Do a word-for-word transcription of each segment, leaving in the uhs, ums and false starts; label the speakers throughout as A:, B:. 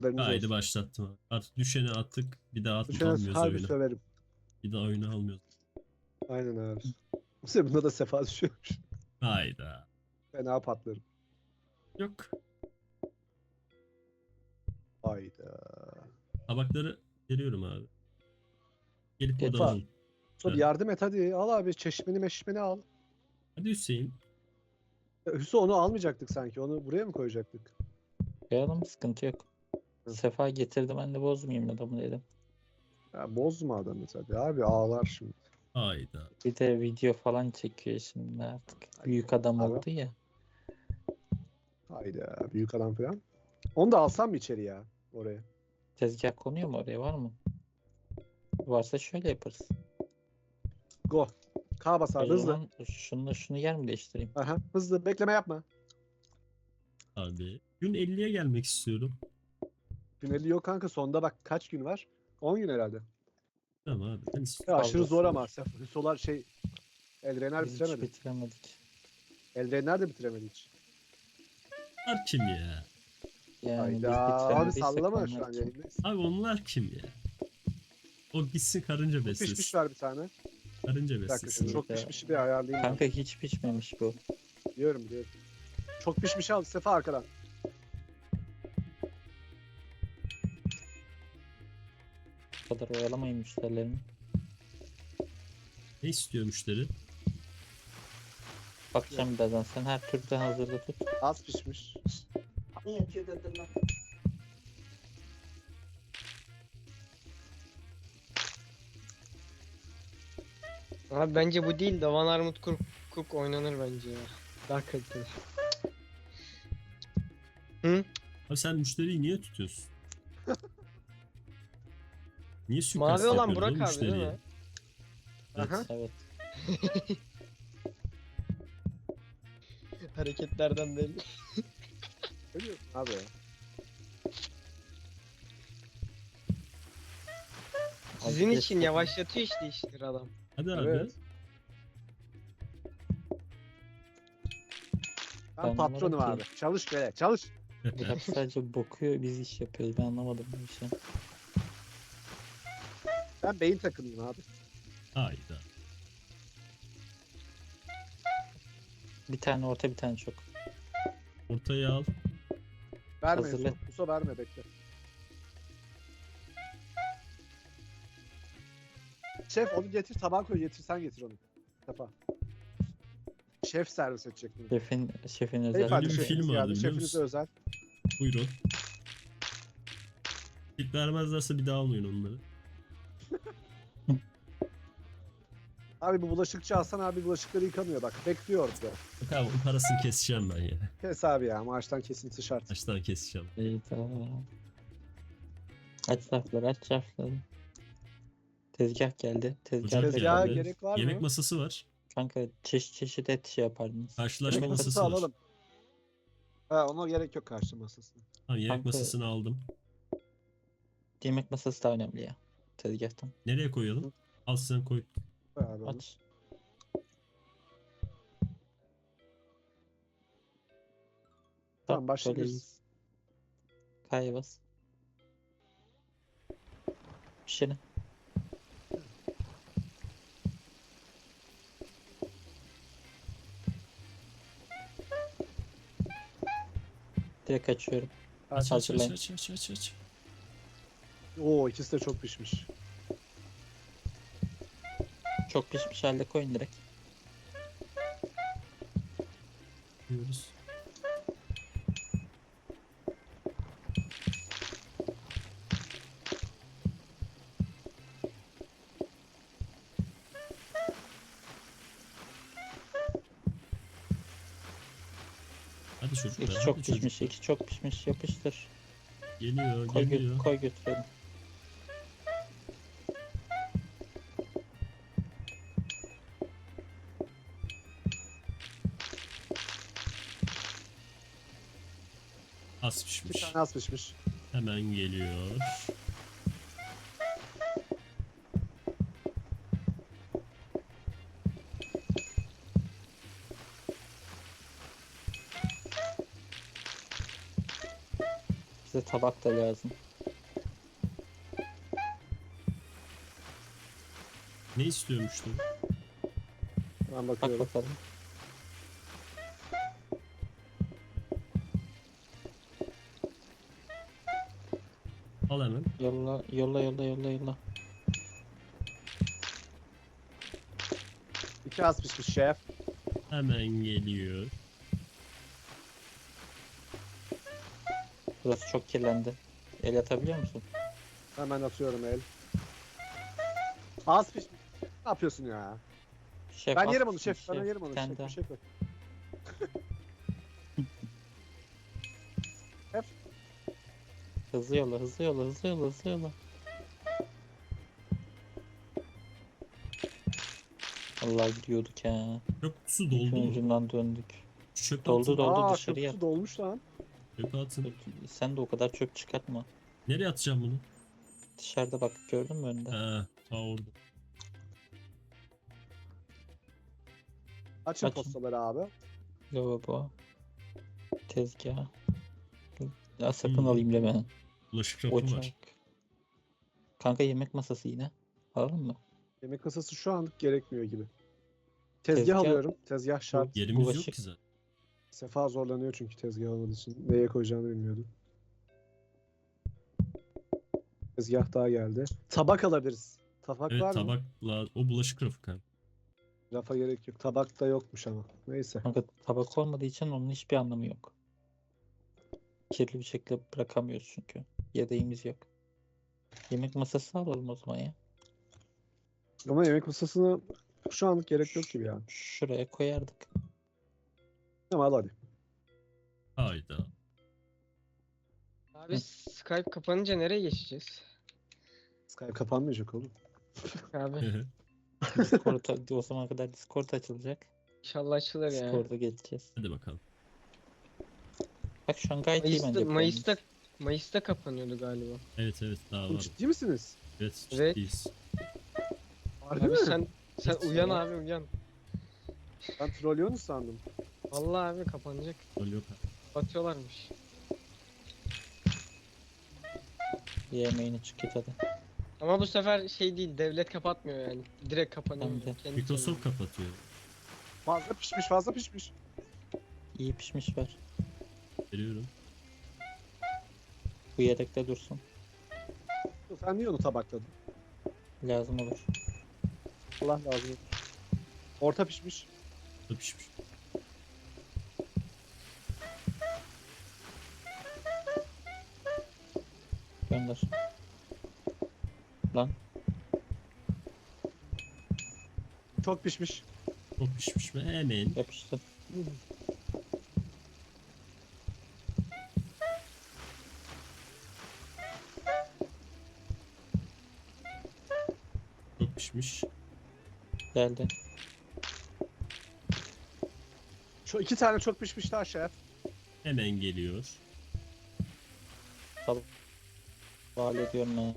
A: Haberiniz
B: Haydi
A: olsun.
B: başlattım abi. Artık düşeni attık. Bir daha at,
A: Düşene
B: almıyoruz
A: harbi
B: oyunu.
A: söverim.
B: Bir daha oyunu almıyoruz.
A: Aynen abi. Bu sefer bunda da sefa düşüyormuş.
B: Hayda.
A: Fena patlarım.
B: Yok.
A: Hayda.
B: Tabakları veriyorum abi. Gelip burada
A: Sefa.
B: alın.
A: Sonra bir yardım et hadi. Al abi çeşmeni meşmeni al.
B: Hadi Hüseyin.
A: Ya Hüso onu almayacaktık sanki. Onu buraya mı koyacaktık?
C: Koyalım, sıkıntı yok.
A: Hı.
C: Sefa getirdi, ben de bozmayayım adamı dedim.
A: Ya bozma adamı tabii abi ağlar şimdi.
B: Hayda.
C: Bir de video falan çekiyor şimdi artık. Büyük adam
A: Abi.
C: oldu ya.
A: Hayda büyük adam falan. Onu da alsam mı içeri ya oraya?
C: Tezgah konuyor mu oraya, var mı? Varsa şöyle yaparız.
A: Go. K bas
C: O
A: abi hızlı.
C: zaman şunu şunu yer mi değiştireyim?
A: Aha, hızlı bekleme yapma.
B: Abi. Gün elliye gelmek istiyorum.
A: Güneli yok kanka sonda bak kaç gün var? on gün herhalde.
B: Tamam abi. Ben
A: Ya
B: istiyorum.
A: aşırı zor ama.
C: Fazlası
A: Hüsolar şey Elrenler
C: Biz hiç
A: bitiremedi.
C: bitiremedik.
A: Elrenler de bitiremedi hiç.
B: Onlar kim ya?
C: Yani biz
A: Hayda abi
C: bitiremediysek
A: sallama şu
C: onlar
A: an
C: kim?
A: yayındayız.
B: Abi onlar kim ya? O gitsin karınca
A: Çok pişmiş
B: beslesin.
A: var bir tane.
B: Karınca
A: Bir dakika şunu
B: beslesin.
A: çok
C: Ya.
A: pişmişi bir ayarlayayım.
C: Kanka hiç pişmemiş bu.
A: Ben. Diyorum diyorum. Çok pişmiş al Sefa arkadan.
C: Bu kadar oyalamayın müşterilerimi.
B: Ne istiyor müşteri?
C: Bakacağım birazdan, sen her türlü hazırda tut.
A: Az pişmiş.
C: Yatıyor dedim lan.
D: Abi bence bu değil de Van Armut Cook, Cook oynanır bence ya. Daha kaliteli. Hı?
B: Abi sen müşteriyi niye tutuyorsun? Niye suikast
D: Mavi olan
B: yapıyorsun
D: Burak
B: oğlum
D: abi değil
B: müşteriye?
D: mi?
B: Evet.
A: Aha.
C: Evet.
D: Hareketlerden belli.
A: Ne diyorsun abi?
D: Sizin
C: Abi,
D: için
C: çok-
D: yavaşlatıyor işte işleri adam.
B: Hadi abi.
A: Evet. Ben
C: Ben
A: patronum
C: anlamadım
A: abi.
C: ki.
A: Çalış böyle çalış.
C: Burak sadece bakıyor, biz iş yapıyoruz. Ben anlamadım bu işi.
A: Ben beyin takımıyım abi.
B: Hayda.
C: Bir tane orta, bir tane çok.
B: Ortaya al.
A: Verme
C: Hazırla.
A: Hüso. Hüso verme bekle. Şef onu getir tabağa koy getir sen getir onu. Sefa. Şef servis edecek bunu.
C: Şefin, şefin özel.
A: Beyefendi
B: bir
A: şefiniz
B: film vardı,
A: geldi.
B: biliyor
A: Şefinize
B: musun?
A: özel.
B: Buyurun. Tip vermezlerse bir daha almayın onları.
A: Abi bu bulaşıkçı Hasan abi bulaşıkları yıkamıyor bak. Bekliyor orada.
B: Bak abi onun parasını keseceğim ben ya.
A: Kes abi ya maaştan kesinti şart.
B: Baştan keseceğim.
C: İyi, tamam. Aç rafları, aç rafları. Tezgah geldi. Tezgah,
B: Ocak
A: Tezgaha
B: geldi.
A: gerek var
B: Yemek
A: mı?
B: masası var.
C: Kanka çeşit çeşit et şey yapardınız.
B: Karşılaşma
A: Yemek
B: masası
A: masası
B: var.
A: alalım. Ha ona gerek yok karşı masasına.
B: Tamam yemek
C: Kanka-
B: masasını aldım.
C: Yemek masası da önemli ya. Tezgahtan.
B: Nereye koyalım? Al sen koy.
A: Koy abi onu.
C: Aç.
A: Tamam, başlayabiliriz.
C: Böyleyiz. K'ya bas. Pişirin. Direkt açıyorum.
B: Aç aç aç
C: Hazırlayın.
B: aç aç aç aç.
A: Oo ikisi de çok pişmiş.
C: Çok pişmiş halde koyun direkt.
B: Diyoruz. Hadi çocuklar.
C: İki
B: hadi
C: çok pişmiş,
B: çocuklar.
C: iki çok pişmiş. Yapıştır.
B: Geliyor
C: Koy, gö-
B: geliyor.
C: koy götürelim.
B: Az
A: Bir
B: pişmiş.
A: tane az pişmiş.
B: Hemen geliyor.
C: Bize Tabak da lazım.
B: Ne istiyormuştu?
A: Ben
C: Bak
A: bakıyorum.
C: bakalım.
B: Al hemen.
C: Yolla yolla yolla yolla yolla.
A: İki az pişmiş şef.
B: Hemen geliyor.
C: Burası çok kirlendi. El atabiliyor musun?
A: Hemen atıyorum el. Az pişmiş. Ne yapıyorsun ya?
C: Şef,
A: Ben
C: az
A: yerim onu
C: pişmiş
A: şef. Ben yerim onu
C: Sen
A: şef.
C: de.
A: Bir şey koy. Şef.
C: Hızlı yolla hızlı yolla hızlı yolla hızlı yolla. Allah gidiyorduk ya.
B: Çöp kutusu
C: İlk
B: doldu mu?
C: ucundan döndük.
B: Çöp
C: Doldu,
B: atın.
C: doldu.
A: Aa
C: dışarıya.
A: köprüsü dolmuş lan.
B: Çöp atın.
C: Sen de o kadar çöp çıkartma.
B: Nereye atacağım bunu?
C: Dışarıda bak, gördün mü önünde?
B: Ha, ta orada.
A: Açın
C: Açın.
A: postaları abi.
C: Lavabo. Tezgah. Ya sakın
B: Hmm.
C: alayım deme.
B: Bulaşık rafı
C: Ocak.
B: var.
C: Kanka yemek masası yine. Alalım mı?
A: Yemek kasası şu anlık gerekmiyor gibi. Tezgah,
C: Tezgah-
A: alıyorum. Tezgah şart.
B: Yerimiz
C: Bulaşık-
B: yok ki zaten.
A: Sefa zorlanıyor çünkü tezgah olmadığı için. Neye koyacağını bilmiyordu. Tezgah daha geldi. Tabak alabiliriz. Tabak
B: Evet,
A: var mı?
B: tabakla o bulaşık rafı kanka.
A: Rafa gerek yok. Tabak da yokmuş ama. Neyse.
C: Kanka tabak olmadığı için onun hiçbir anlamı yok. Kirli bir şekilde bırakamıyoruz çünkü. Yedeğimiz yok. Yemek masası alalım o zaman ya.
A: Ama yemek masasına şu anlık gerek yok gibi ya.
C: Şuraya koyardık.
A: Tamam al hadi.
B: Hayda.
D: Abi Skype kapanınca nereye geçeceğiz?
A: Skype kapanmayacak oğlum.
D: Abi
C: Discord, o zamana kadar Discord açılacak.
D: inşallah açılır ya.
C: Discord'a geçeceğiz.
B: Hadi bakalım.
C: Bak şu an gayet iyi
D: Mayıs'ta,
C: bence.
D: Mayıs'ta, Mayıs'ta kapanıyordu galiba.
B: Evet evet daha
A: Oğlum
B: var.
A: ciddi misiniz?
B: Evet
D: Evet.
B: ciddiyiz.
A: Harbi
D: Abi
A: mi?
D: sen sen
B: Evet,
D: uyan
B: ya.
D: abi uyan.
A: Ben trollüyorsunuz sandım.
D: Vallahi abi kapanacak.
B: Öyle yok.
D: Batıyorlarmış.
C: Yemeğini çık git hadi.
D: Ama bu sefer şey değil, devlet kapatmıyor yani. Direkt kapanıyor.
C: Hem de.
D: Kendi
B: Microsoft
D: kendine.
B: kapatıyor.
A: Fazla pişmiş fazla pişmiş.
C: İyi pişmiş ver.
B: Veriyorum.
C: Bu yedekte dursun.
A: Sen niye onu tabakladın?
C: Lazım olur.
A: Allah lazım olur. Orta pişmiş.
B: Da pişmiş.
C: Gönder. Lan
A: Çok pişmiş.
B: Çok pişmiş ve hemen.
C: yapıştı.
B: Çok pişmiş.
C: Geldi.
A: Şu iki tane çok pişmiş daha şef.
B: Hemen geliyor.
C: Havale ediyorum ben.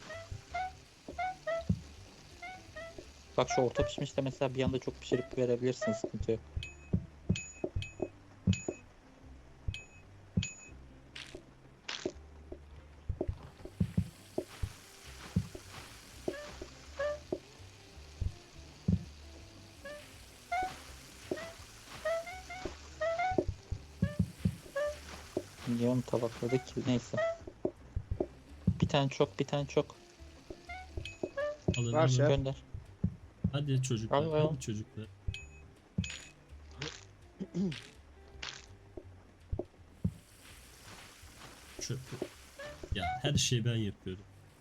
C: Bak şu orta pişmiş de mesela bir anda çok pişirip verebilirsin, sıkıntı yok. Niye onu tabakladık ki? Neyse. Bir tane çok, bir tane çok.
B: Alın
A: Ver
B: alın.
A: şef.
C: Gönder.
B: Hadi çocuklar.
C: Al, al.
B: Hadi çocuklar. Çöp. Ya her şeyi ben yapıyorum.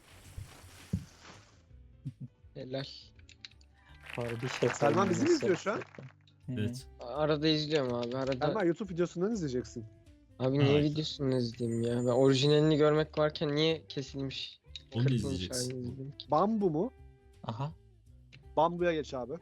D: Helal.
C: Harbi şef.
A: Selman
C: olmanın
A: bizi mi izliyor şu an?
C: şerefi. Hı.
B: Evet.
D: Arada izliyorum abi. Arada.
A: Selman YouTube videosundan izleyeceksin.
D: Abi niye
B: Hayır.
D: videosunu izleyeyim ya? Ben orijinalini görmek varken niye kesilmiş?
B: Onu da
D: kırpılmış
B: izleyeceksin.
D: halini izleyeyim ki?
A: Bambu mu?
C: Aha.
A: Bambuya geç abi.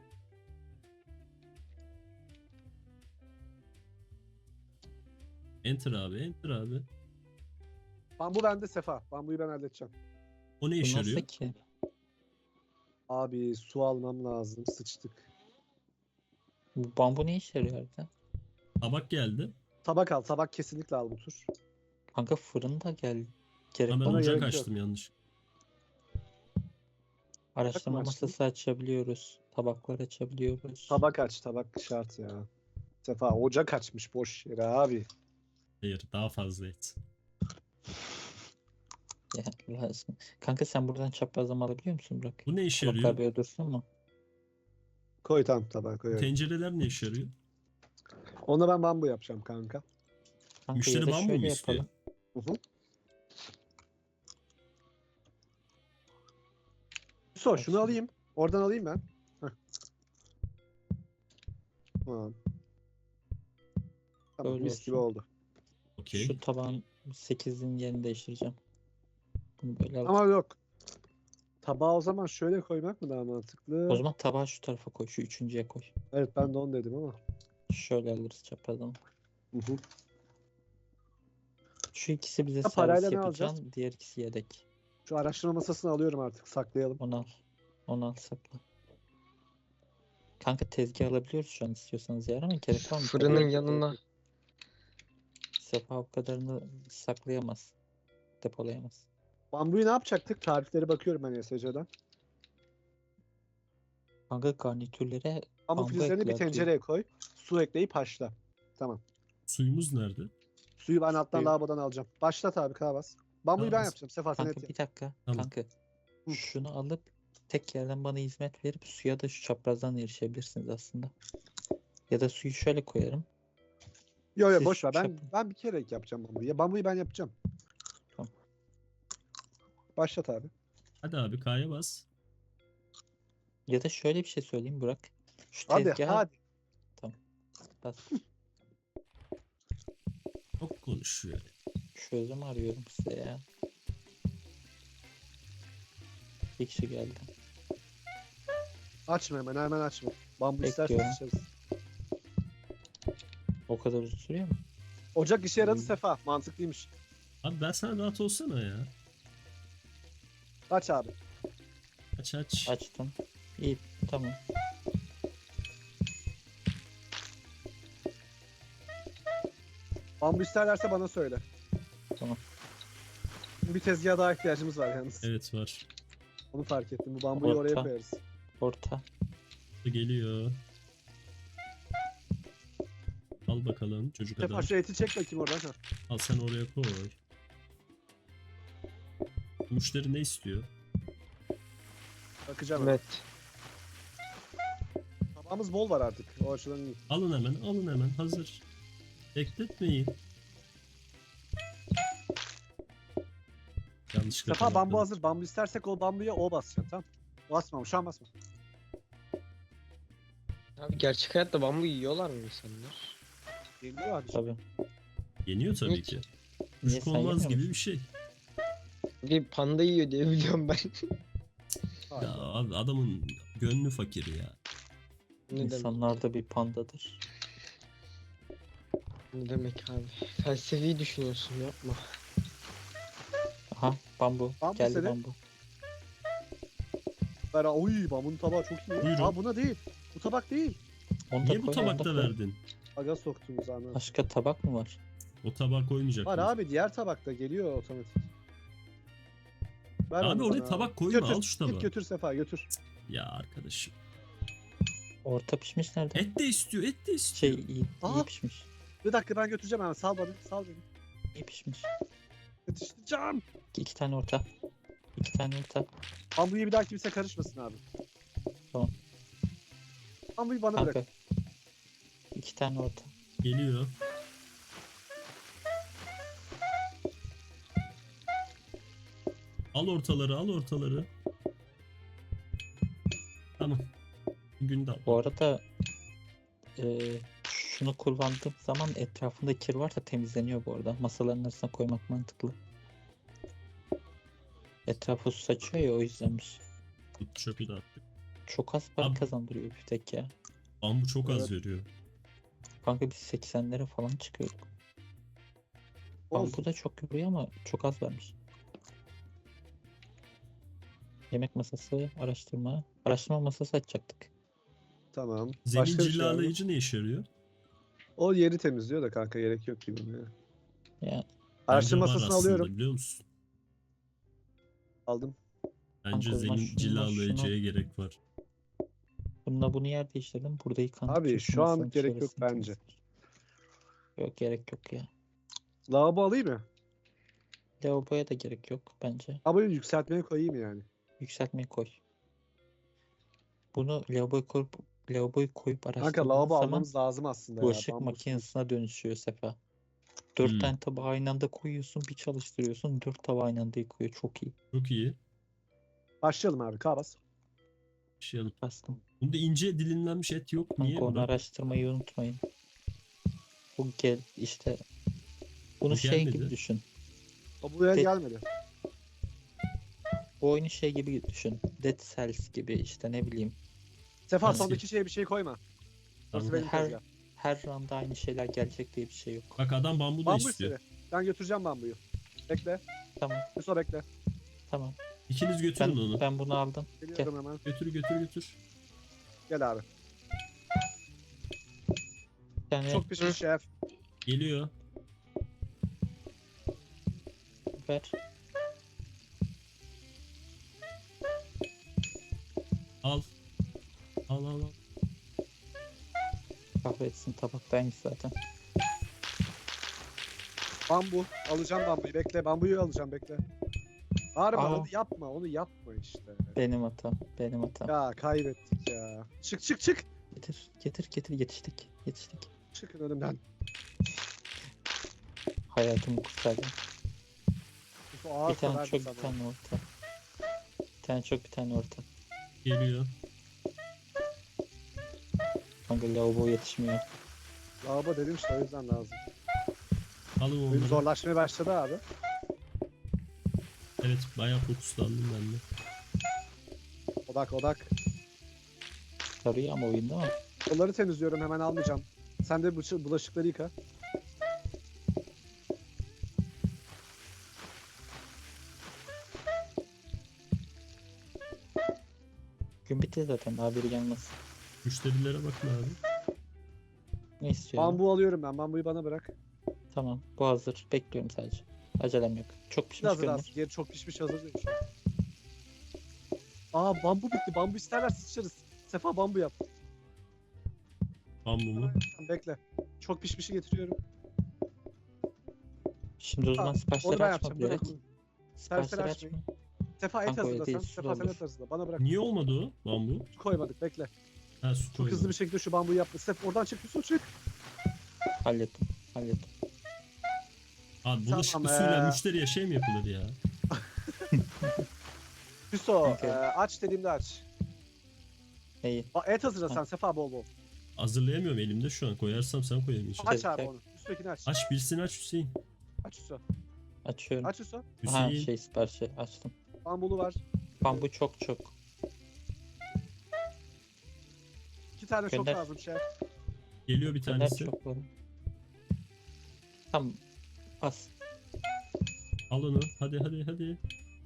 B: Enter abi. Enter abi.
A: Bambu bende Sefa. Bambuyu ben halledeceğim.
B: O ne
C: Bu
B: işe
C: nasıl
B: yarıyor?
C: ki?
A: Abi su almam lazım. Sıçtık.
C: Bu bambu ne işe yarıyor harbiden?
B: Tabak geldi.
A: Tabak al. Tabak kesinlikle al bu tur.
C: Kanka fırın da geldi. Gerek
B: Ha, ben
C: var mı?
A: Bana
B: ocak
A: gerek yok.
B: açtım yanlış.
C: Araştırma
A: açtın?
C: masası açabiliyoruz. Tabaklar açabiliyoruz.
A: Tabak aç, tabak şart ya. Bu sefa ocak açmış boş yere abi.
B: Hayır, daha fazla et.
C: Ya, lazım. Kanka sen buradan çaprazlama alabiliyor musun Burak?
B: Bu ne işe
C: Tabaklar
B: yarıyor?
C: böyle dursun mu?
A: Koy tam tabağa
B: Bu
A: koyuyorum.
B: tencereler ne işe yarıyor?
A: Ona ben bambu yapacağım kanka.
C: Kanka
B: Müşteri
C: ya da
B: bambu mu
C: şöyle
B: istiyor?
C: yapalım.
A: Hı hı. So şunu
C: Bak
A: alayım. Oradan alayım ben. Heh. Tamam. Tamam
C: Böyle
A: mis gibi
C: olsun.
A: oldu.
B: Okey.
C: Şu tabağın sekizin yerini değiştireceğim. Bunu böyle al.
A: Ama yok. Tabağı o zaman şöyle koymak mı daha mantıklı?
C: O zaman tabağı şu tarafa koy. Şu üçüncüye koy.
A: Evet ben de onu dedim ama.
C: Şöyle alırız çaprazdan.
A: Hı hı.
C: Şu ikisi bize
A: Ha, parayla
C: servis
A: ne alacağız?
C: yapacağım. Diğer ikisi yedek.
A: Şu araştırma masasını alıyorum artık. Saklayalım.
C: Onu al. Onu al sakla. Kanka tezgah alabiliyoruz şu an istiyorsanız yer ama gerek var mı?
D: Fırının
A: Yok, yok,
D: yanına.
A: yok.
C: Sefa o kadarını saklayamaz. Depolayamaz.
A: Bambuyu ne yapacaktık? Tariflere bakıyorum ben S C'den.
C: Kanka garnitürlere
A: Bambu
C: Bambu
A: filizlerini bir
C: ekler diyor.
A: tencereye koy. Su ekleyip haşla. Tamam.
B: Suyumuz nerede?
A: Suyu ben alttan
C: Suyu-
A: lavabodan alacağım. Başlat abi kahvas. Bambuyu ben
B: Kahvas.
A: yapacağım. Sefa sen et
C: kanka
A: yap.
C: bir dakika.
B: Tamam.
C: Kanka
A: Hı.
C: şunu alıp tek yerden bana hizmet verip suya da şu çaprazdan erişebilirsiniz aslında. Ya da suyu şöyle koyarım.
A: Yo yo
C: Siz
A: boş ver. Ben
C: çap-
A: ben bir kere yapacağım bambuyu. Ya bambuyu ben yapacağım.
C: Tamam.
A: Başlat abi.
B: Hadi abi K'ya bas.
C: Ya da şöyle bir şey söyleyeyim Burak. Şu
A: Hadi
C: tezgaha
A: hadi.
C: bas.
B: Çok konuşuyor.
C: Çözüm arıyorum size ya. Bir kişi geldi.
A: Açma hemen hemen açma. Bambu istersen
C: Bekliyorum.
A: açarız.
C: O kadar uzun sürüyor mu?
A: Ocak işe yaradı
C: Hmm.
A: Sefa. Mantıklıymış.
B: Abi ben sana rahat olsana ya.
A: Aç abi.
B: Aç aç.
C: Açtım. İyi tamam.
A: Bambu isterlerse bana söyle.
C: Tamam.
A: Bir tezgaha daha ihtiyacımız var yalnız.
B: Evet var.
A: Onu fark ettim. Bu bambuyu oraya
C: Orta.
A: koyarız.
C: Orta.
B: Geliyor. Al bakalım çocuk
A: Sefa
B: adam.
A: şu eti çek bakayım oradan. Ha.
B: Al sen oraya koy. Müşteri ne istiyor?
A: Bakacağım.
D: Evet.
A: Tabağımız bol var artık. O açıdan iyi.
B: Alın hemen alın hemen hazır. Bekletmeyin. Yanlışlıkla
A: Sefa bambu
B: kapattım.
A: hazır. Bambu istersek o bambuya o basacaksın tamam. Basma şu an basma.
D: Abi gerçek hayatta bambu yiyorlar mı insanlar?
A: Geliyor abi.
C: Tabii.
B: Yeniyor tabii
D: Niye
B: ki.
C: Niye
B: Çocuk
C: sen
B: olmaz
C: yemiyor
B: gibi
C: musun?
B: bir şey.
D: Bir panda yiyor diye biliyorum ben.
A: Hayır.
B: Ya abi adamın gönlü fakir ya.
D: Ne demek?
C: İnsanlar da bir pandadır.
D: Ne demek abi? Felsefi düşünüyorsun yapma.
C: Aha bambu.
A: Bambu
C: Geldi
A: seni.
C: bambu.
A: Ver, oy bambunun tabağı çok iyi.
B: Buyurun.
A: Aa buna değil. Bu tabak değil.
C: Onu da
B: Niye bu
C: koy, onu da
B: tabakta
C: koy.
B: verdin?
A: Aga soktuğumuz anı.
C: Başka tabak mı var?
B: O tabağa koymayacak
A: Var
B: mıyız?
A: abi diğer tabakta geliyor otomatik. Ver
B: Abi
A: onu
B: oraya
A: bana
B: tabak koyma,
A: Götür,
B: al şu tabağı.
A: Git götür Sefa götür.
B: Ya arkadaşım.
C: Orta pişmiş nerede?
B: Et de istiyor, et de
C: Şey
B: istiyor.
C: iyi, iyi
A: Aa.
C: pişmiş.
A: Bir dakika ben götüreceğim hemen sal beni sal beni.
C: İyi pişmiş.
A: Yetiştireceğim.
C: İki tane orta. İki tane orta.
A: Bambuyu bir daha kimse karışmasın abi.
C: Tamam.
A: Bambuyu bana
C: Kanka.
A: bırak.
C: İki tane orta.
B: Geliyor. Al ortaları, al ortaları. Tamam. Gün de al.
C: Bu arada eee, şunu kullandığım zaman etrafında kir varsa temizleniyor bu arada. Masaların arasına koymak mantıklı. Etrafı su saçıyor ya o yüzdenmiş.
B: Çöpü de attık.
C: Çok az para
B: Abi-
C: kazandırıyor bir tek ya.
B: Bambu çok az
A: Evet.
B: veriyor.
C: Kanka biz seksenlere falan çıkıyorduk.
A: Olsun.
C: Bambu da çok yoruyor ama çok az vermiş. Yemek masası, araştırma. Araştırma masası açacaktık.
A: Tamam.
B: Zemin
A: Başka bir şey var mı?
B: cilalayıcı ne işe yarıyor?
A: O yeri temizliyor da kanka gerek yok gibi. Ya.
C: Ya
A: Araştırma
B: Bence var
A: masasını
B: aslında,
A: alıyorum.
B: biliyor musun?
A: Aldım.
B: Bence
C: Kanka o zaman
B: zemin
C: şununla
B: cilalayıcıya gerek var.
C: Bununla bunu yer değiştirdim. Burada yıkandık.
A: Abi şu anlık gerek yok bence.
C: Yok gerek yok ya.
A: Lavabo alayım mı?
C: Lavaboya da gerek yok bence.
A: Lavaboyu yükseltmeye koyayım yani.
C: Yükseltmeye koy. Bunu lavaboya koyup lavaboyu koyup
A: Kanka
C: araştırdığın
A: lavabo
C: zaman
A: almamız lazım aslında ya.
C: bulaşık
A: Bambu
C: makinesine dönüşüyor Sefa. Dört
B: Hmm.
C: tane tabağı aynı anda koyuyorsun, bir çalıştırıyorsun, dört tabağı aynı anda yıkıyor. Çok iyi.
B: Çok iyi.
A: Başlayalım abi. Kabas.
B: Bir şey alıp.
C: Bastım.
B: Bunda ince dilimlenmiş et yok. Niye?
C: Kanka onu
B: Bırak.
C: araştırmayı unutmayın. Bu gel işte bunu
B: O
C: şey
B: gelmedi.
C: gibi düşün.
A: O buraya
C: De-
A: gelmedi.
C: Bu oyunu şey gibi düşün. Dead Cells gibi işte ne bileyim.
A: Sefa
B: Nasıl?
A: sondaki şeye bir şey koyma. Orası
B: Tamam.
A: benim
C: Her
A: tezgah.
C: her roundda aynı şeyler gelecek diye bir şey yok.
B: Bak adam bambu da
A: Bambu
B: istiyor.
A: istedi. Ben götüreceğim bambuyu. Bekle.
C: Tamam,
A: Yusuf bekle.
C: tamam.
B: İkiniz
C: Ben
B: götürün onu.
C: ben bunu aldım.
A: Geliyorum hemen.
B: Götür götür götür.
A: Gel abi.
C: Yani
A: Çok pişmiş şef.
B: Geliyor.
C: ver.
B: Al. Al al al.
C: Kahretsin tabaktaymış zaten.
A: Bambu. Alacağım bambuyu. Bekle. Bambuyu alacağım. Bekle. Bağırma.
C: Aa.
A: Onu yapma. Onu yapma işte.
C: Benim hatam. Benim hatam.
A: Ya kaybettik ya. Çık çık çık.
C: Getir, getir, getir. Yetiştik. Yetiştik.
A: Çıkın önümden.
C: Hayatımı kurtardım.
A: Yusuf ağır
C: Bir tane
A: severdi
C: çok,
A: sana.
C: bir tane orta. Bir tane çok, bir tane orta.
B: Geliyor.
C: Kanka lavabo yetişmiyor.
A: Lavabo dedim işte o yüzden lazım.
B: Alın
A: Oyun
B: onları.
A: zorlaşmaya başladı abi.
B: Evet bayağı fokuslandım ben de.
A: Odak odak.
C: Sarıyor ama oyunda ama.
A: Onları temizliyorum hemen almayacağım. Sen de bıçı- bulaşıkları yıka.
C: Gün bitti zaten. Daha biri gelmez.
B: Müşterilere bakın abi.
C: Ne istiyor?
A: Bambu alıyorum ben. Bambuyu bana bırak.
C: Tamam. Bu hazır. Bekliyorum sadece. Acelem yok. Çok
A: Bir
C: pişmiş
A: hazır
C: görünür.
A: az. Geri çok pişmiş hazır değil şu an. Aa bambu bitti. Bambu isterler sıçarız. Sefa bambu yap.
B: Bambu mu?
A: Bekle. Çok pişmişi getiriyorum.
C: Şimdi o zaman
A: Onu
C: siparişleri
A: ben
C: açma
A: yapacağım.
C: bilerek.
A: Bırak. Siparişleri
C: Siparişleri
A: açmayın.
C: açma.
A: Sefa et
C: Kanka öyle
A: hazırla
C: değil,
A: sen.
C: su
A: Sefa sen
C: olur.
A: et hazırla. Bana bırak.
B: Niye olmadı o bambu?
A: Su koymadık bekle.
B: Ha su
A: Çok
B: koymadım.
A: hızlı bir şekilde şu bambuyu yap. Sef oradan çık Yusuf çık.
C: Hallettim. Hallettim.
B: Abi bulaşıklı
A: Tamam,
B: suyla
A: ee.
B: müşteriye şey mi yapılır ya?
A: Hüso
C: Okey.
A: e, aç dediğimde aç.
C: İyi.
A: Aa, et hazırla sen
C: Ha.
A: Sefa bol bol.
B: Hazırlayamıyorum elimde şu an. Koyarsam sen koyamayacaksın.
A: Aç
C: Şey,
A: abi
C: şey.
A: onu. Üsttekini aç.
B: Aç birisini aç Hüseyin.
A: Aç Hüso.
C: Açıyorum.
A: Aç Hüso.
C: Ha
B: Hüseyin.
C: şey siparişi açtım.
A: Bambulu var.
C: Bambu çok çok.
A: İki tane çok
C: Gönder.
A: lazım şef.
B: Geliyor bir
C: Gönder
B: tanesi.
C: çok var. Tamam. As.
B: Al onu. Hadi hadi hadi.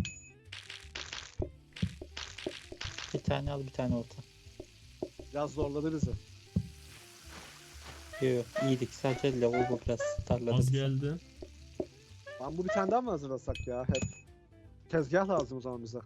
C: Bir tane al bir tane orta.
A: Biraz zorladı bizi.
C: Yok yok iyiydik. Sadece lavabo biraz darladı.
B: Az
C: bizi.
B: geldi.
A: Bambu bir tane daha mı hazırlasak ya hep? Tezgah lazım o zaman bize.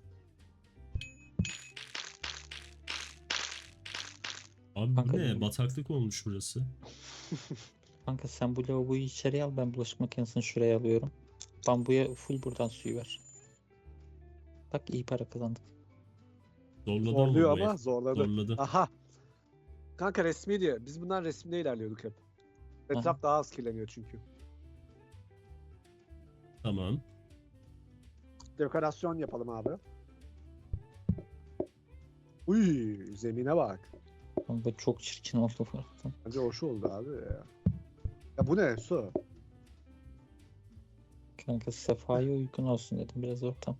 B: Abi
C: Kanka
B: bu ne?
C: benim-
B: Bataklık olmuş burası.
C: Kanka sen bu lavaboyu içeriye al, ben bulaşık makinesini şuraya alıyorum. Bambuya full buradan suyu ver. Bak iyi para kazandık.
B: Zorladı
A: Zorluyor
B: ama bu
A: ama
B: ev.
A: zorladı.
B: Zorladı.
A: Aha. Kanka resmi diye. Biz bundan resimde ilerliyorduk hep. Etraf daha az kirleniyor çünkü.
B: Tamam.
A: Dekorasyon yapalım abi. Uy, zemine bak.
C: Kanka çok çirkin oldu bu arada.
A: Bence hoş oldu abi ya. Ya bu ne su?
C: Kanka sefaya uygun olsun dedim biraz ortam.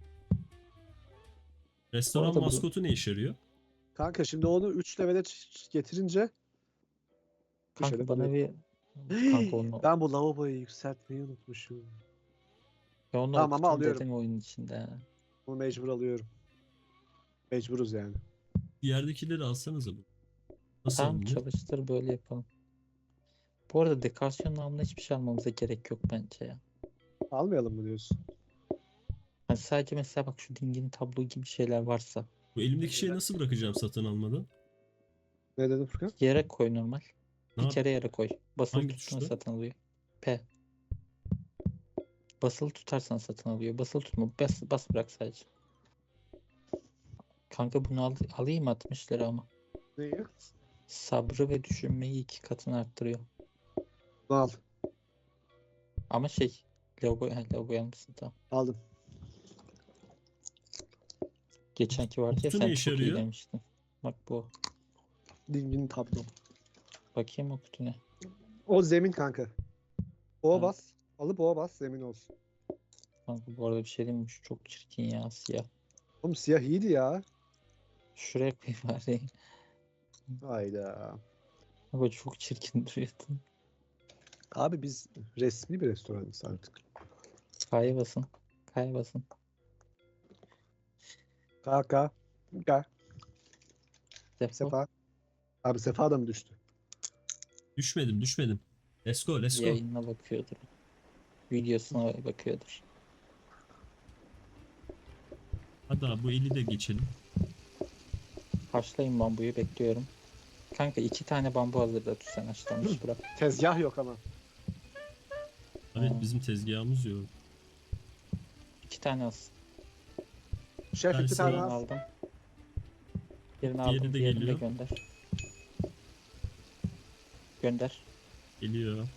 B: Restoran
C: arada bu-
B: maskotu ne işe yarıyor?
A: Kanka şimdi onu üç levele ç- getirince
C: Kanka
A: Köşede
C: bana
A: duruyor.
C: bir kanka onu,
A: ben bu lavaboyu yükseltmeyi unutmuşum.
C: ya onu
A: Tamam, ama
C: okutun
A: alıyorum.
C: dedim oyunun içinde. ha.
A: Bunu mecbur alıyorum. Mecburuz yani.
B: Yerdekileri alsanıza bu. Nasıl
C: Tamam
B: alınıyor?
C: çalıştır böyle yapalım. Bu arada dekorasyon namına hiçbir şey almamıza gerek yok bence ya.
A: Almayalım mı diyorsun?
C: Hani Yani sadece mesela bak şu dingin tablo gibi şeyler varsa
B: Bu elimdeki şeyi nasıl bırakacağım satın almadan?
A: Ne dedin Furkan?
C: yere koy normal.
B: Ne
C: Bir
B: yap?
C: kere yere koy. Basılı
B: Hangi
C: tuttuğunda
B: tuşla?
C: satın alıyor. P. Basılı tutarsan satın alıyor. Basılı tutma. Bas, bas bırak sadece. Kanka bunu al, alayım mı altmış lira ama.
A: Neyi?
C: Sabrı ve düşünmeyi iki katını arttırıyor.
A: Bunu al.
C: Ama şey logo, he, logo yanmışsın tamam.
A: Aldım.
C: Geçenki vardı ya
B: Kutu ne
C: sen
B: işe
C: çok iyi
B: yarıyor?
C: demiştin. Bak bu.
A: Dingin tablo.
C: Bakayım o kutu ne.
A: O zemin kanka. Oğa
C: Ha.
A: bas. Alıp oğa bas zemin olsun.
C: Kanka bu arada bir şey diyeyim mi? Şu çok çirkin ya siyah.
A: Oğlum siyah iyiydi ya.
C: Şuraya koy bari.
A: Hayda.
C: Ama çok çirkin duruyordu.
A: Abi biz resmi bir restoranız artık.
C: K'ya basın. K'ya basın.
A: Kaka. Kaka.
C: Defol.
A: Sefa. Abi Sefa da mı düştü?
B: Düşmedim düşmedim. Let's go let's go.
C: Yayınına bakıyordur. Videosuna bakıyordur.
B: Hadi abi bu eli de geçelim.
C: Haşlayın bambuyu bekliyorum. Kanka iki tane bambu hazırda sen haşlanmış bırak.
A: Tezgah yok ama.
B: Evet
C: Aa.
B: bizim tezgahımız yok.
C: İki tane az.
A: Şef iki
B: Tersi
A: tane
C: Birini
B: var.
A: az.
C: aldım. Birini
B: Diğeri
C: aldım.
B: de
C: Diğerini de
B: geliyor.
C: gönder. Gönder.
B: Geliyor.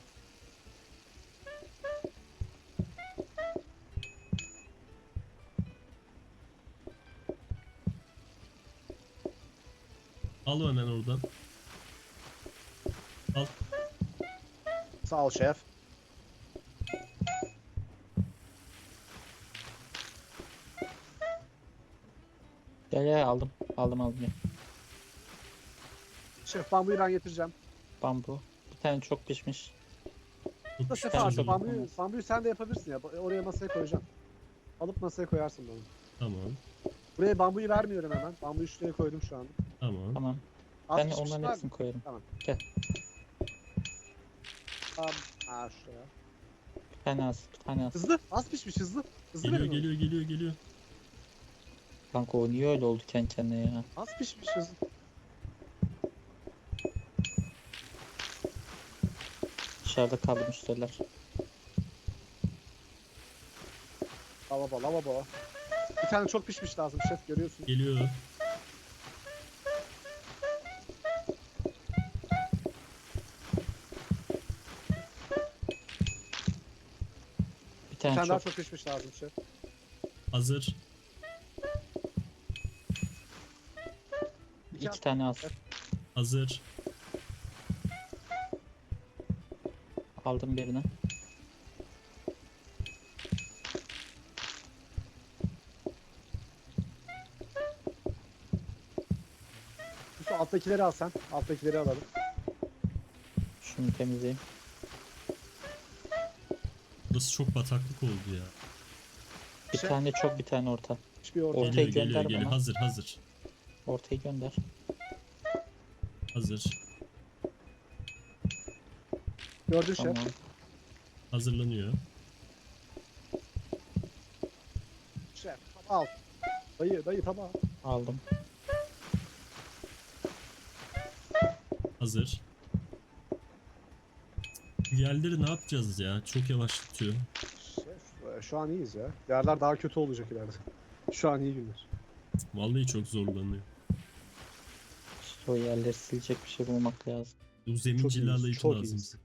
B: Al hemen oradan. Al.
A: Sağ ol şef.
C: Gel gel aldım. Aldım aldım ya.
A: Şef bambuyu ben getireceğim.
C: Bambu. Bir tane çok pişmiş.
B: Çok
A: Da
B: küçük
A: Sefa
C: tane
A: abi
C: çok
B: sandım.
A: bambuyu,
C: olmaz.
A: bambuyu sen de yapabilirsin ya. Oraya masaya koyacağım. Alıp masaya koyarsın bana.
B: Tamam.
A: Buraya bambuyu vermiyorum hemen. Bambuyu şuraya koydum şu anda.
B: Tamam.
C: Tamam.
A: Az
C: Ben
A: pişmiş
C: onların
A: var
C: hepsini
A: mı?
C: koyarım.
A: Tamam.
C: Gel.
A: Tamam. Ha şuraya.
C: Bir tane az. Bir tane az.
A: Hızlı. Az pişmiş hızlı. Hızlı
B: Geliyor
A: verin onu.
B: geliyor geliyor geliyor.
C: Kanka o niye öyle oldu kendi kendine ya?
A: Az pişmiş hızlı.
C: Dışarıda kaldı müşteriler.
A: Lavabo lavabo. Bir tane çok pişmiş lazım şef görüyorsun.
B: Geliyor.
C: Bir
A: Bir
C: tane,
A: tane daha
C: çok.
A: çok pişmiş lazım şef.
B: Hazır.
A: İki
C: İki
A: az-
C: tane az.
B: Hazır.
C: Aldım birini.
A: Şu alttakileri al sen. Alttakileri alalım.
C: Şunu temizleyeyim.
B: Burası çok bataklık oldu ya.
C: Bir
A: Şey-
C: tane çok bir tane orta.
A: Hiçbir orta.
C: Ortaya
B: Geliyor
C: gönder
B: geliyor geliyor.
C: bana.
B: Hazır hazır.
C: Ortayı gönder.
B: Hazır.
A: Gördün şef.
C: Tamam.
B: Hazırlanıyor.
A: Şef. Al. Dayı dayı tamam.
C: Aldım.
B: Hazır. Diğerleri ne yapacağız ya? Çok yavaşlatıyor.
A: Şef e, şu an iyiyiz ya. Yerler daha kötü olacak ileride. Şu an iyi günler.
B: Vallahi çok zorlanıyor.
C: İşte o yerleri silecek bir şey bulmak lazım.
B: Bu zemin
A: Çok iyiyiz,
B: cilalayıcı
A: çok
B: lazım
A: iyiyiz.
B: bize.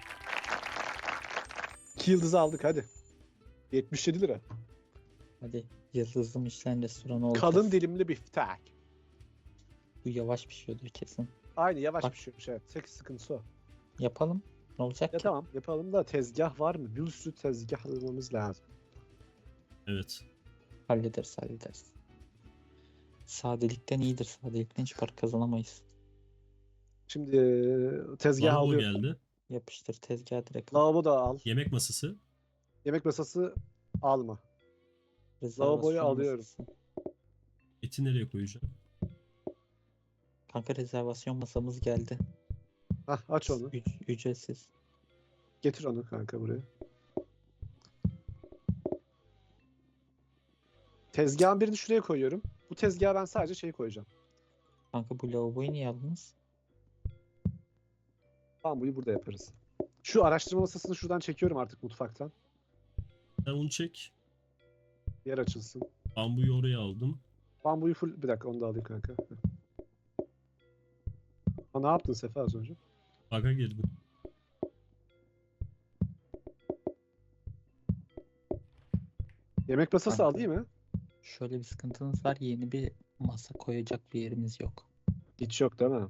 A: İki yıldızı aldık hadi. yetmiş yedi lira.
C: Hadi yıldızlı Michelin restoranı olacağız.
A: Kalın dilimli biftek.
C: Bu yavaş pişiyordur kesin.
A: Aynı yavaş
C: Bak.
A: pişiyormuş evet. Tek sıkıntısı o.
C: Yapalım. Ne olacak
A: Ya
C: ki?
A: tamam yapalım da tezgah var mı? Bir sürü tezgah almamız lazım.
B: Evet.
C: Hallederiz hallederiz. Sadelikten iyidir. Sadelikten hiç para kazanamayız.
A: Şimdi e, tezgah
B: Lavabo
A: alıyor.
B: geldi.
C: Yapıştır tezgah direkt. al.
A: Lavabo da al.
B: Yemek masası.
A: Yemek masası alma.
C: Rezervasyon
A: lavaboyu alıyorum.
C: masası.
B: Eti nereye koyacağım?
C: Kanka rezervasyon masamız geldi.
A: Hah aç onu.
C: Üc- ücretsiz.
A: Getir onu kanka buraya. Tezgahın birini şuraya koyuyorum. Bu tezgaha ben sadece şey koyacağım.
C: Kanka bu lavaboyu niye aldınız?
A: Bambuyu burada yaparız. Şu araştırma masasını şuradan çekiyorum artık mutfaktan.
B: Sen onu çek.
A: Yer açılsın.
B: Bambuyu oraya aldım.
A: Bambuyu full... Bir dakika onu da alayım kanka. Ha, ne yaptın Sefa az önce?
B: Bug'a girdim.
A: Yemek masası
C: Kanka.
A: alayım mı?
C: Şöyle bir sıkıntınız var. Yeni bir masa koyacak bir yerimiz yok.
A: Hiç yok değil mi?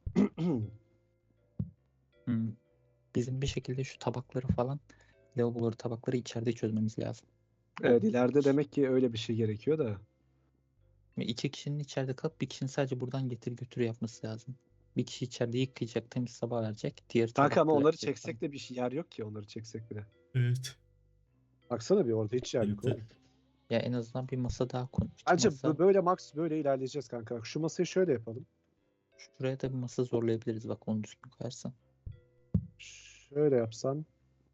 C: Hmm. Bizim bir şekilde şu tabakları falan, lavaboları, tabakları içeride çözmemiz lazım.
A: Evet, ileride demek ki öyle bir şey gerekiyor da.
C: Ve iki kişinin içeride kalıp bir kişinin sadece buradan getir götür yapması lazım. Bir kişi içeride yıkayacak, temiz sabah verecek. Diğer
A: Kanka ama
C: tabakları
A: onları
C: yapacak
A: çeksek
C: falan.
A: de bir şey yer yok ki onları çeksek bile.
B: Evet.
A: Baksana bir orada hiç yer yok
B: Evet.
A: oğlum.
C: Ya en azından bir masa daha koy. İki
A: Bence
C: masa,
A: bu- böyle max böyle ilerleyeceğiz kanka. Şu masayı şöyle yapalım.
C: şuraya da bir masa zorlayabiliriz bak onu düzgün koyarsan.
A: Şöyle yapsan.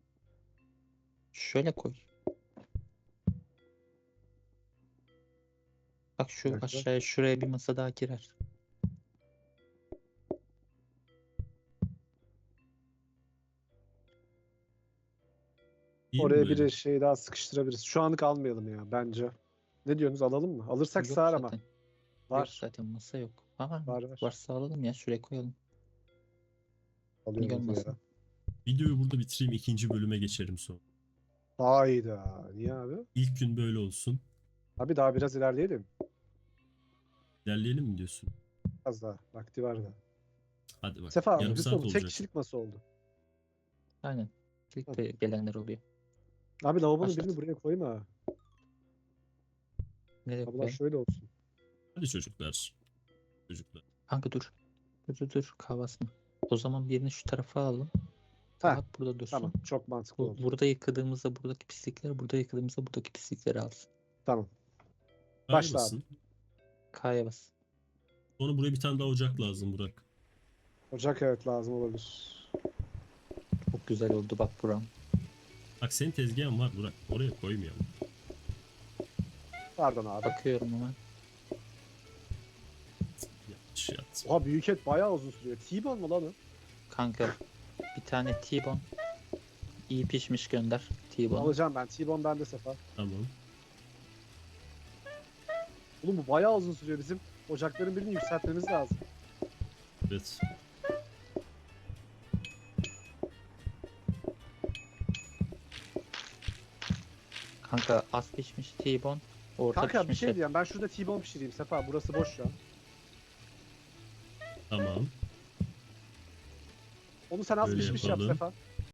C: Şöyle koy. Bak şu
A: dakika.
C: aşağıya şuraya bir masa daha girer.
B: İyi mi
A: Oraya
B: böyle?
A: bir şey daha sıkıştırabiliriz. Şu anlık almayalım ya bence. Ne diyorsunuz, alalım mı? Alırsak
C: Yok
A: sığar ama.
C: zaten. Yok
A: Var.
C: zaten masa yok. Ama
A: Var var.
C: varsa alalım ya şuraya koyalım.
A: Alıyorum hadi
C: olmasın.
A: ya.
B: Videoyu burada bitireyim. İkinci bölüme geçerim sonra.
A: Hayda. Niye abi?
B: İlk gün böyle olsun.
A: Abi daha biraz ilerleyelim.
B: İlerleyelim mi diyorsun?
A: Az daha. Vakti var da.
B: Hadi bak.
A: Sefa abi,
B: Yarım saat
A: Hüsnü, tek
B: olacak.
A: kişilik masa oldu.
C: Aynen. İlk de gelenler oluyor.
A: Abi lavabonun
C: Başlat.
A: birini buraya koyma.
C: Nereye
A: Abla
C: koyalım?
A: şöyle olsun.
B: Hadi çocuklar. Çocuklar.
C: Kanka dur. Dur dur dur. Kahvasını. O zaman birini şu tarafa alalım.
A: Heh,
C: Tabak burada dursun.
A: Tamam. Çok mantıklı
C: Bu,
A: oldu.
C: burada yıkadığımızda buradaki pislikleri, burada yıkadığımızda buradaki pislikleri alsın.
A: Tamam.
B: K'ya
A: Başla abi.
B: basın.
C: K'ya bas.
B: Sonra buraya bir tane daha ocak lazım Burak.
A: Ocak evet lazım olabilir.
C: Çok güzel oldu bak buram.
B: Bak senin tezgahın var Burak. Oraya koymayalım.
A: Pardon abi.
C: Bakıyorum hemen.
B: Yanlış yaptım.
A: Oha, büyük et bayağı uzun sürüyor. T-bone mu lan o?
C: Kanka bir tane T-bone. İyi pişmiş gönder. T-bone.
A: Alacağım ben. T-bone bende Sefa.
B: Tamam.
A: Oğlum bu bayağı uzun sürüyor. Bizim ocakların birini yükseltmemiz lazım.
B: Evet.
C: Kanka az pişmiş T-bone. Orta
A: Kanka bir
C: pişmiş
A: şey
C: et.
A: diyeceğim. Ben şurada T-bone pişireyim Sefa. Burası boş şu an.
B: Tamam.
A: Onu sen az
B: Öyle
A: pişmiş yap
B: yapalım.
A: Sefa.